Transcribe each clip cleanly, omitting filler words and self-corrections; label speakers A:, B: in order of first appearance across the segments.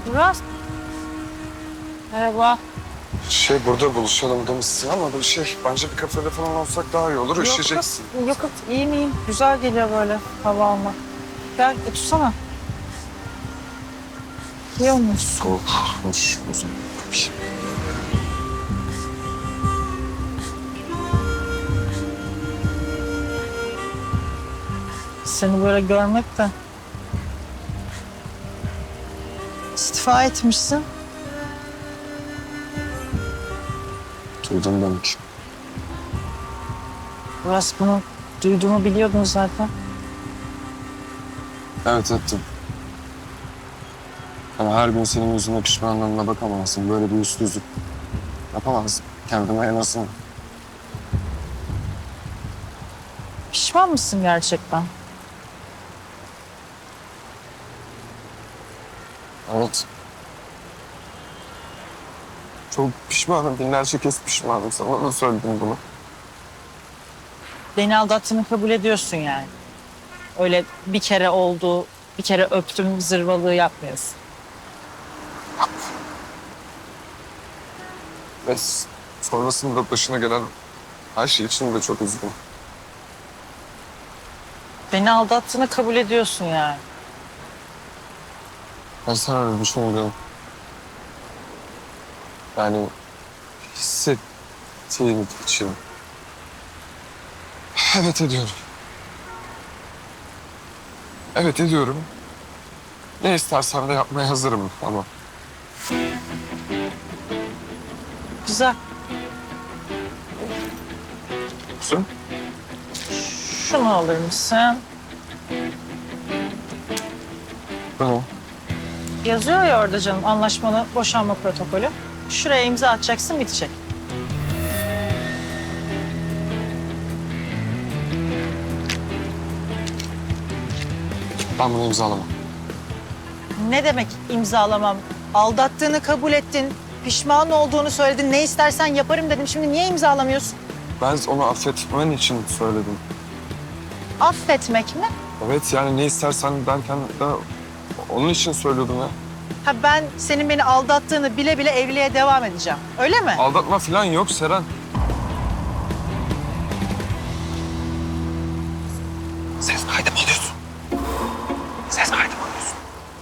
A: Murat. Merhaba.
B: Burada buluşalım demişsin ama bence bir kafede falan olsak daha iyi olur. Üşüyeceksin.
A: Yok, iyi miyim? Güzel geliyor böyle hava almak. Gel, otursana. İyi olmuş.
B: Soğukmuş o zaman.
A: Seni böyle görmek de... İstifa etmişsin.
B: Duydum demek.
A: Murat, bunu duyduğumu biliyordun zaten.
B: Evet ettim. Ama her gün senin yüzüne pişmanlığına bakamazsın. Böyle bir yüzsüzlük yapamazsın. Kendime en azından.
A: Pişman mısın gerçekten?
B: Evet. Çok pişmanım. Binlerce kez pişmanım. Sana da söyledim bunu.
A: Beni aldattığını kabul ediyorsun yani. Öyle bir kere oldu, bir kere öptüm zırvalığı yapmıyorsun.
B: Ve sonrasında başına gelen her şey için de çok üzgünüm.
A: Beni aldattığını kabul ediyorsun yani.
B: Ben sana öyle düşünmüyorum. Yani hissettiğim için. Evet ediyorum. Evet ediyorum. Ne istersen de yapmaya hazırım ama.
A: Güzel.
B: Sen?
A: Şunu alır mısın?
B: Tamam.
A: Yazıyor ya orada canım, anlaşmalı boşanma protokolü. Şuraya imza atacaksın, bitecek.
B: Ben bunu imzalamam.
A: Ne demek imzalamam? Aldattığını kabul ettin, pişman olduğunu söyledin, ne istersen yaparım dedim. Şimdi niye imzalamıyorsun?
B: Ben onu affetmen için söyledim.
A: Affetmek mi?
B: Evet yani ne istersen derken de onun için söylüyordum ya.
A: Ha, ben senin beni aldattığını bile bile evliliğe devam edeceğim. Öyle mi?
B: Aldatma falan yok Seren. Ses kaydı mı alıyorsun? Ses kaydı mı alıyorsun?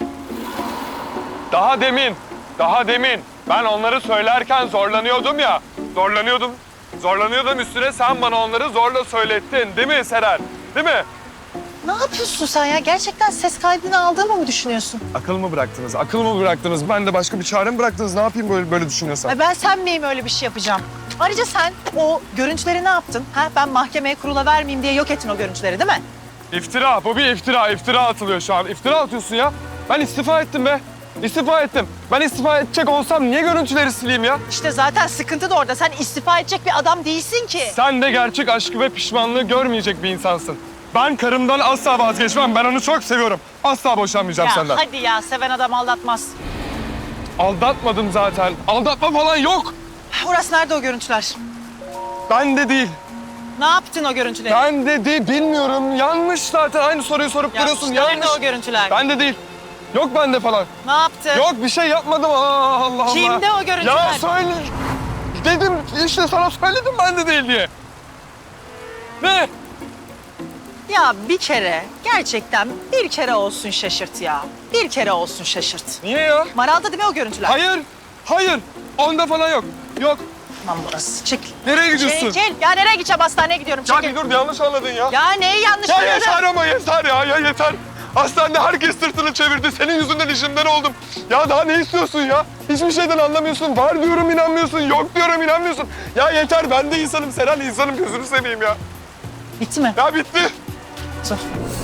C: Daha demin ben onları söylerken zorlanıyordum ya. Zorlanıyordum üstüne sen bana onları zorla söylettin. Değil mi Seren? Değil mi?
A: Ne yapıyorsun sen ya? Gerçekten ses kaydını aldığımı mı düşünüyorsun?
B: Akıl mı bıraktınız? Akıl mı bıraktınız? Ben de başka bir çare mi bıraktınız? Ne yapayım böyle düşünüyorsan?
A: Ay, ben sen miyim öyle bir şey yapacağım? Ayrıca sen o görüntüleri ne yaptın? Ha? Ben mahkemeye kurula vermeyeyim diye yok ettin o görüntüleri, değil mi?
C: İftira. Bu bir iftira. İftira atılıyor şu an. İftira atıyorsun ya. Ben istifa ettim be. İstifa ettim. Ben istifa edecek olsam niye görüntüleri sileyim ya?
A: İşte zaten sıkıntı da orada. Sen istifa edecek bir adam değilsin ki.
C: Sen de gerçek aşkı ve pişmanlığı görmeyecek bir insansın. Ben karımdan asla vazgeçmem. Ben onu çok seviyorum. Asla boşanmayacağım
A: Ya
C: senden.
A: hadi ya, seven adam aldatmaz.
C: Aldatmadım zaten. Aldatma falan yok.
A: Uras, nerede o görüntüler?
C: Ben de değil.
A: Ne yaptın o görüntüleri?
C: Ben de değil. Bilmiyorum. Yanlış zaten. Aynı soruyu sorup duruyorsun.
A: işte nerede
C: Yanlış.
A: o görüntüler?
C: Ben de değil. Yok bende falan.
A: Ne yaptın?
C: Yok bir şey yapmadım. Allah Allah.
A: Kimde o görüntüler?
C: Ya söyle. Dedim işte sana söyledim ben de değil diye. Ne?
A: Ya bir kere, gerçekten bir kere olsun şaşırt ya. Bir kere olsun şaşırt.
C: Niye ya?
A: Maral'da değil mi o görüntüler?
C: Hayır. Onda falan yok. Yok.
A: Tamam burası. Çekil.
C: Nereye gidiyorsun?
A: Çekil. Ya nereye gideceğim? Hastaneye gidiyorum.
C: Ya
A: Çekil.
C: bir dur yanlış anladın ya.
A: Ya neyi yanlış
C: Ya
A: anladın?
C: yeter ama yeter ya yeter. Hastanede herkes sırtını çevirdi. Senin yüzünden işimden oldum. Ya daha ne istiyorsun ya? Hiçbir şeyden anlamıyorsun. Var diyorum inanmıyorsun. Yok diyorum inanmıyorsun. Ya yeter ben de insanım Seren insanım gözünü seveyim ya.
A: Bitti mi?
C: Ya bitti.
A: Dur.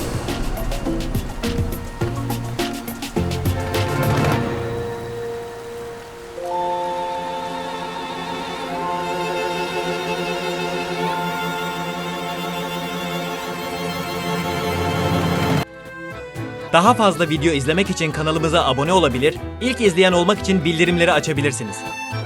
D: Daha fazla video izlemek için kanalımıza abone olabilir, ilk izleyen olmak için bildirimleri açabilirsiniz.